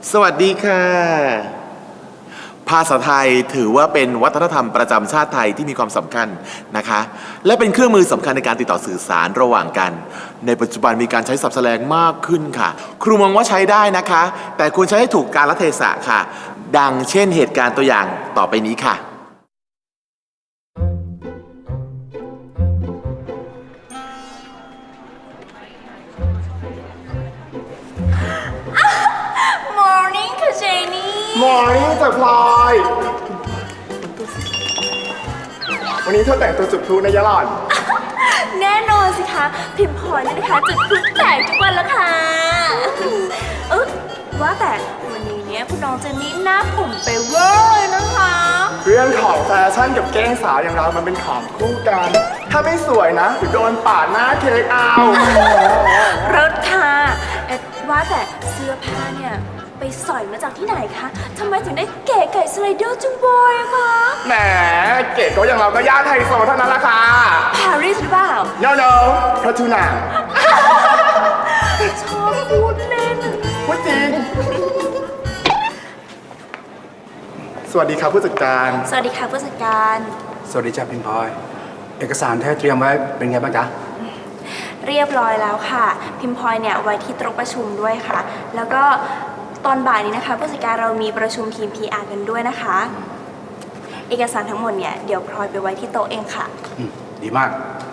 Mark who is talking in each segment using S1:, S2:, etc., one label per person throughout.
S1: สวัสดีค่ะภาษาไทยถือว่าเป็นวัฒนธรรมประจำชาติไทยที่มีความสำคัญนะคะและเป็นเครื่องมือสำคัญในการติดต่อสื่อสารระหว่างกันในปัจจุบันมีการใช้ศัพท์แสลงมากขึ้นค่ะครูมองว่าใช้ได้นะคะแต่ควรใช้ให้ถูกกาลเทศะค่ะดังเช่นเหตุการณ์ตัวอย่างต่อไปนี้ค่ะ
S2: Morning ค่ะเจนี่
S3: มอร์นิ่งจ้ะพลอย วันนี้เธอแต่งตัวจุดพลุนะยะหล่อน
S2: แน่นอนสิคะพิมพลอยเนี่ยนะคะจุดพลุแตกทุกวันแล้วค่ะว่าแต่วันนี้เนี่ยคุณน้องเจนนี่หน้าผมไปเวอร์เลยนะคะ
S3: เรื่องของแฟชั่นกับแกล้งสาวอย่างเรามันเป็นของคู่กัน ถ้าไม่สวยนะเดี๋ยวโดนปาดหน้าเค้กเอา
S2: รถค่ะว่าแต่เสื้อผ้าเนี่ยไปสอยมาจากที่ไหนคะทำไมถึงได้เก๋ไก่สไลเดอร์จุงบอยอะคะ
S3: แหมเก๋ก็อย่างเราก็ย่านไฮโซเท่านั้นละค่ะ
S2: ปารีสหรือเปล่า
S3: no พระทูน่า
S2: ชอบพูดเล่น
S3: พูดจริง สวัสดีครับผู้จัดการ
S2: สวัสดีค่ะผู้จัดการ
S4: สวัสดีจ้าพิมพลอย เอกสารที่ให้เตรียมไว้เป็นไงบ้างจ๊ะ
S2: เรียบร้อยแล้วค่ะพิมพลอยเนี่ยไว้ที่โต๊ะประชุมด้วยค่ะแล้วก็ตอนบ่ายนี้นะคะผู้จัดการเรามีประชุมทีม PR กันด้วยนะคะเอกสารทั้งหมดเนี่ยเดี๋ยวพลอยไปไว้ที่โต๊ะเองค่ะ
S4: ดีมาก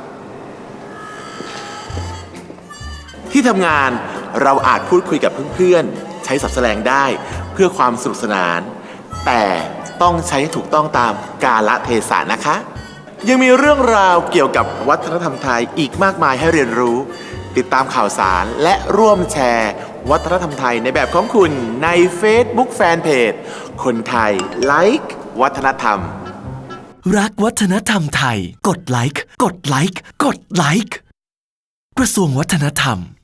S1: ที่ทำงานเราอาจพูดคุยกับเพื่อนๆใช้ศัพท์แสดงได้เพื่อความสนุกสนานแต่ต้องใช้ให้ถูกต้องตามกาลเทศะนะคะยังมีเรื่องราวเกี่ยวกับวัฒนธรรมไทยอีกมากมายให้เรียนรู้ติดตามข่าวสารและร่วมแชร์วัฒนธรรมไทยในแบบของคุณใน Facebook Fanpage คนไทยไลค์วัฒนธรรม
S5: รักวัฒนธรรมไทยกดไลค์กดไลค์กดไลค์กระทรวงวัฒนธรรม